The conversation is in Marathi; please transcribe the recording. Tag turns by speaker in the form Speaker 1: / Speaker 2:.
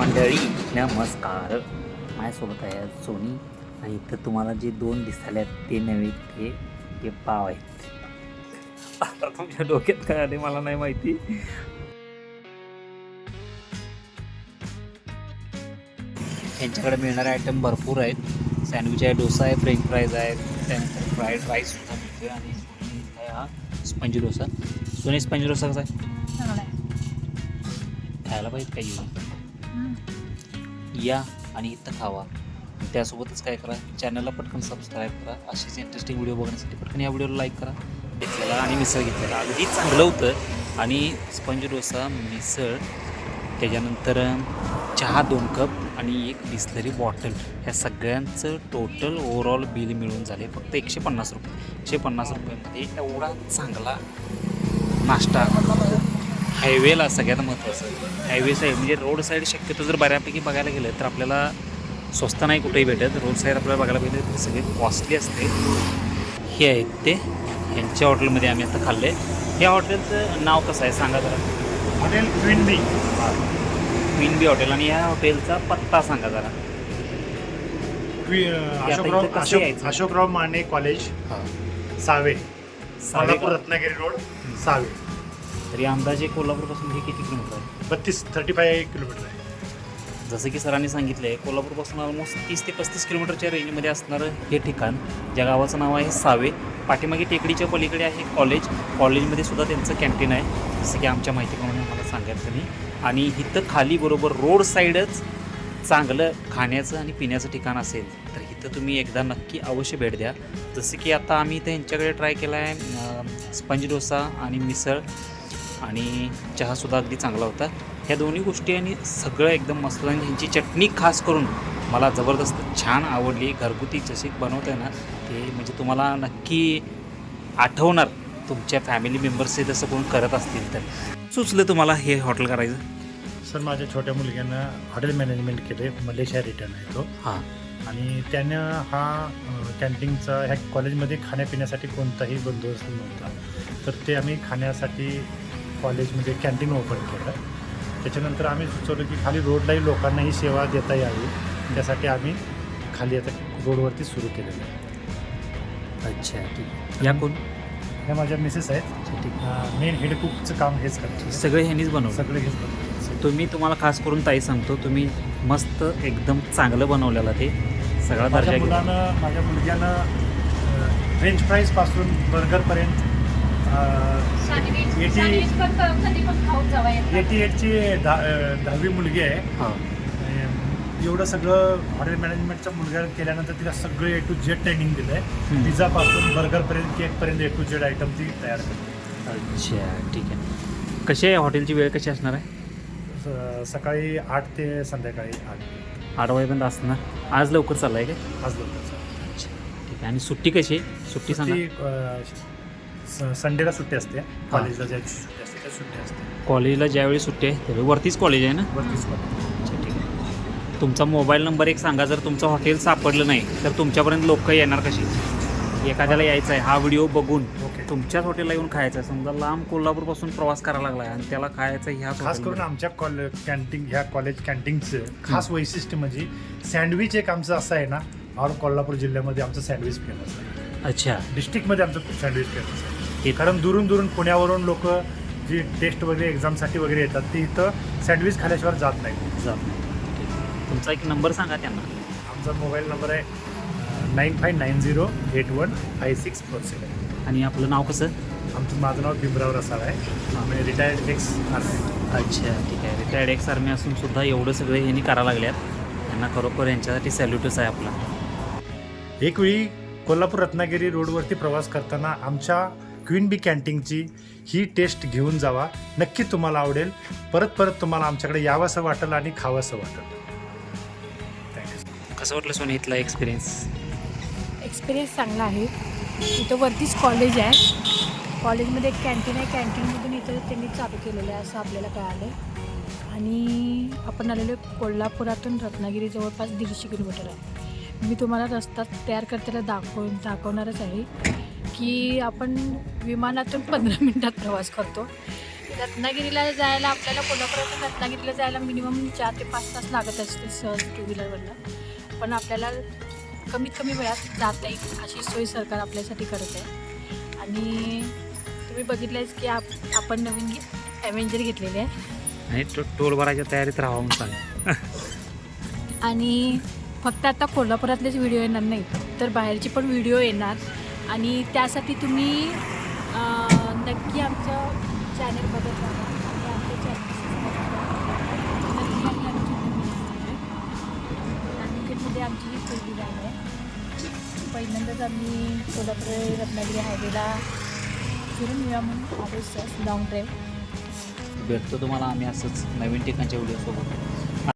Speaker 1: मंडळी नमस्कार. माझ्यासोबत आहे आज सोनी आणि इथं तुम्हाला जे दोन दिसायला ते नव्हे ते पाव आहेत. आता तुमच्या डोक्यात काय आले मला नाही माहिती. यांच्याकडे मिळणारे आयटम भरपूर आहेत. सँडविच आहे, डोसा आहे, फ्रेंच फ्राईज आहेत, त्यानंतर फ्राईड राईस सुद्धा मिळतो आणि सोनी आहे हा स्पंज डोसा. सोनी स्पंज डोसा कसा आहे? खायला पाहिजे काही या आणि इथं खावा. त्यासोबतच काय करा, चॅनलला पटकन सबस्क्राईब करा. अशीच इंटरेस्टिंग व्हिडिओ बघण्यासाठी पटकन या व्हिडिओला लाईक करा. घेतलेला आणि मिसळ घेतलेला अगदी चांगलं होतं. आणि स्पंज डोसा, मिसळ, त्याच्यानंतर चहा 2 कप आणि 1 बिस्लरी बॉटल, ह्या सगळ्यांचं टोटल ओव्हरऑल बिल मिळून झाले फक्त 150 रुपये. 150 रुपयामध्ये एवढा चांगला नाश्ता हायवेला. सगळ्यात महत्त्वाचं हायवे साईड म्हणजे रोड साईड शक्यतो जर बऱ्यापैकी बघायला गेलं तर आपल्याला स्वस्त नाही कुठेही भेटत. रोड साईड आपल्याला बघायला पाहिजे तर सगळे कॉस्टली असते. हे आहेत ते ह्यांच्या हॉटेलमध्ये आम्ही आता खाल्ले. या हॉटेलचं नाव कसं आहे सांगा जरा.
Speaker 2: Hotel queen B.
Speaker 1: Queen B hotel. आणि या हॉटेलचा पत्ता सांगा जरा.
Speaker 2: अशोकराव माने कॉलेज,
Speaker 1: हां,
Speaker 2: सावे,
Speaker 1: सावे
Speaker 2: कोल्हापूर रत्नागिरी रोड, सावे.
Speaker 1: तरी अंदाजे कोल्हापूरपासून हे किती किलोमीटर आहे?
Speaker 2: 35 किलोमीटर आहे.
Speaker 1: जसं की सरांनी सांगितलं आहे, कोल्हापूरपासून ऑलमोस्ट 30 ते 35 किलोमीटरच्या रेंजमध्ये असणारं हे ठिकाण, ज्या गावाचं नाव आहे सावे. पाठीमागे टेकडीच्या पलीकडे आहे कॉलेज. कॉलेजमध्ये सुद्धा त्यांचं कॅन्टीन आहे, जसं की आमच्या माहितीप्रमाणे मला सांगायचं नाही. आणि इथं खाली बरोबर रोड साईडच चांगलं खाण्याचं आणि पिण्याचं ठिकाण असेल तर इथं तुम्ही एकदा नक्की अवश्य भेट द्या. जसं की आता आम्ही इथं यांच्याकडे ट्राय केला आहे स्पंज डोसा आणि मिसळ, आणि चहासुद्धा अगदी चांगला होता. ह्या दोन्ही गोष्टी आणि सगळं एकदम मस्त. आणि ह्यांची चटणी खास करून मला जबरदस्त छान आवडली. घरगुती जशी बनवते ना ते म्हणजे तुम्हाला नक्की आठवणार तुमच्या फॅमिली मेंबर्सचे जसं कोण करत असतील तर. सुचलं तुम्हाला हे हॉटेल करायचं?
Speaker 2: सर, माझ्या छोट्या मुलग्यानं हॉटेल मॅनेजमेंट केले, मलेशिया रिटर्न आहे तो.
Speaker 1: हां.
Speaker 2: आणि त्यानं हा कॅन्टीनचा ह्या कॉलेजमध्ये खाण्यापिण्यासाठी कोणताही बंदोबस्त नव्हता, तर ते आम्ही खाण्यासाठी कॉलेजमध्ये कॅन्टीन ओपन केलं. त्याच्यानंतर आम्ही सुचवलं की खाली रोडलाही लोकांनाही सेवा देता यावी, त्यासाठी आम्ही खाली आता रोडवरती सुरू केलेलं आहे.
Speaker 1: अच्छा, ठीक. या कोण?
Speaker 2: ह्या माझ्या मिसेस आहेत. मेन हेड कुकचं काम हेच करतात.
Speaker 1: सगळे ह्यांनीच बनवलं?
Speaker 2: सगळे हेच बनवतात.
Speaker 1: तुम्हाला खास करून ताई सांगतो, तुम्ही मस्त एकदम चांगलं बनवलेलं ते सगळा दर्जा.
Speaker 2: माझ्या मुलग्यानं फ्रेंच फ्राईजपासून बर्गरपर्यंत 88ची 10वी मुलगी आहे.
Speaker 1: हां.
Speaker 2: एवढं सगळं हॉटेल मॅनेजमेंटचा मुलगा केल्यानंतर तिला सगळं A to Z ट्रेनिंग दिलं आहे. पिझ्झापासून बर्गरपर्यंत, केकपर्यंत A to Z आयटम ती तयार करते.
Speaker 1: अच्छा, ठीक आहे. कशी आहे हॉटेलची वेळ, कशी असणार आहे?
Speaker 2: सकाळी 8 ते संध्याकाळी
Speaker 1: 8 वाजेपर्यंत असणार. आज लवकर चाललं आहे का?
Speaker 2: आज लवकर.
Speaker 1: अच्छा, ठीक आहे. आणि सुट्टी कशी आहे? सुट्टी सांगा.
Speaker 2: संडेला सुट्टी असते. कॉलेजला ज्या सुट्टी असते त्या सुट्टी असते.
Speaker 1: कॉलेजला ज्यावेळी सुट्टी आहे त्यावेळी वरतीच कॉलेज आहे ना?
Speaker 2: वरतीच कॉलेज.
Speaker 1: अच्छा, ठीक आहे. तुमचा मोबाईल नंबर एक सांगा. जर तुमचं हॉटेल सापडलं नाही तर तुमच्यापर्यंत लोक येणार कशी? एखाद्याला यायचं आहे हा व्हिडिओ बघून, तुमच्याच हॉटेलला येऊन खायचं आहे. समजा लांब कोल्हापूरपासून प्रवास करायला लागला आहे आणि त्याला खायचं ह्या
Speaker 2: खास करून आमच्या कॅन्टीन, ह्या कॉलेज कॅन्टीनचं खास वैशिष्ट्य म्हणजे सँडविच एक आमचं असं आहे ना, ऑल कोल्हापूर जिल्ह्यामध्ये आमचं सँडविच फेमस आहे.
Speaker 1: अच्छा.
Speaker 2: डिस्ट्रिक्टमध्ये आमचं सँडविच फेमस आहे. कारण दुरून पुण्यावरून लोक जी टेस्ट वगैरे एक्झामसाठी वगैरे येतात ते इथं सँडविच खाल्याशिवाय जात नाही.
Speaker 1: तुमचा एक नंबर सांगा त्यांना.
Speaker 2: आमचा मोबाईल नंबर आहे 9590815647.
Speaker 1: आणि आपलं नाव कसं?
Speaker 2: माझं नाव भीमराव रसाळ आहे. आम्ही रिटायर्ड एक्स आर्मी.
Speaker 1: अच्छा, ठीक आहे. रिटायर्ड एक्स आर्मी असून सुद्धा एवढं सगळे ह्यांनी करायला लागल्यात. यांना खरोखर यांच्यासाठी सॅल्यूटच आहे आपला.
Speaker 2: एकवेळी कोल्हापूर रत्नागिरी रोडवरती प्रवास करताना आमच्या क्वीन बी कॅन्टीनची ही टेस्ट घेऊन जावा. नक्की तुम्हाला आवडेल. परत तुम्हाला आमच्याकडे यावंसं वाटेल आणि खावंसं वाटेल.
Speaker 1: कसं वाटलं सोनी इथला
Speaker 3: एक्सपिरियन्स चांगला आहे. इथं वरतीच कॉलेज आहे. कॉलेजमध्ये एक कॅन्टीन आहे. कॅन्टीनमधून इथं त्यांनी चालू केलेलं आहे असं आपल्याला कळालं. आणि आपण आलेलो कोल्हापुरातून रत्नागिरी जवळपास 150 किलोमीटर आहे. मी तुम्हाला रस्ता तयार करताना दाखवणारच आहे की आपण विमानातून 15 मिनिटात प्रवास करतो. रत्नागिरीला जायला आपल्याला कोल्हापुरातून रत्नागिरीला जायला मिनिमम 4 ते 5 तास लागत असते सहज 2 व्हीलरवरनं. पण आपल्याला कमीत कमी वेळात जाता येईल अशी सोय सरकार आपल्यासाठी करत आहे. आणि तुम्ही बघितलंच की आपण नवीन ॲव्हेंजर घेतलेले आहे
Speaker 1: आणि टोल भरायच्या तयारीत राहावं म्हणून चालेल.
Speaker 3: आणि फक्त आता कोल्हापुरातलेच व्हिडिओ येणार नाही तर बाहेरचे पण व्हिडिओ येणार. आणि त्यासाठी तुम्ही नक्की आमचं चॅनल बघत राहा आणि आमच्या चॅनलमध्ये आमची ही पहिली गाडी आहे. पहिल्यांदाच आम्ही कोल्हापूर रत्नागिरी हायवेला फिरून येऊया म्हणून आलो सर लॉंग ड्राईव्ह.
Speaker 1: भेटतो तुम्हाला आम्ही असंच नवीन ठिकाणच्या व्हिडिओसोबत.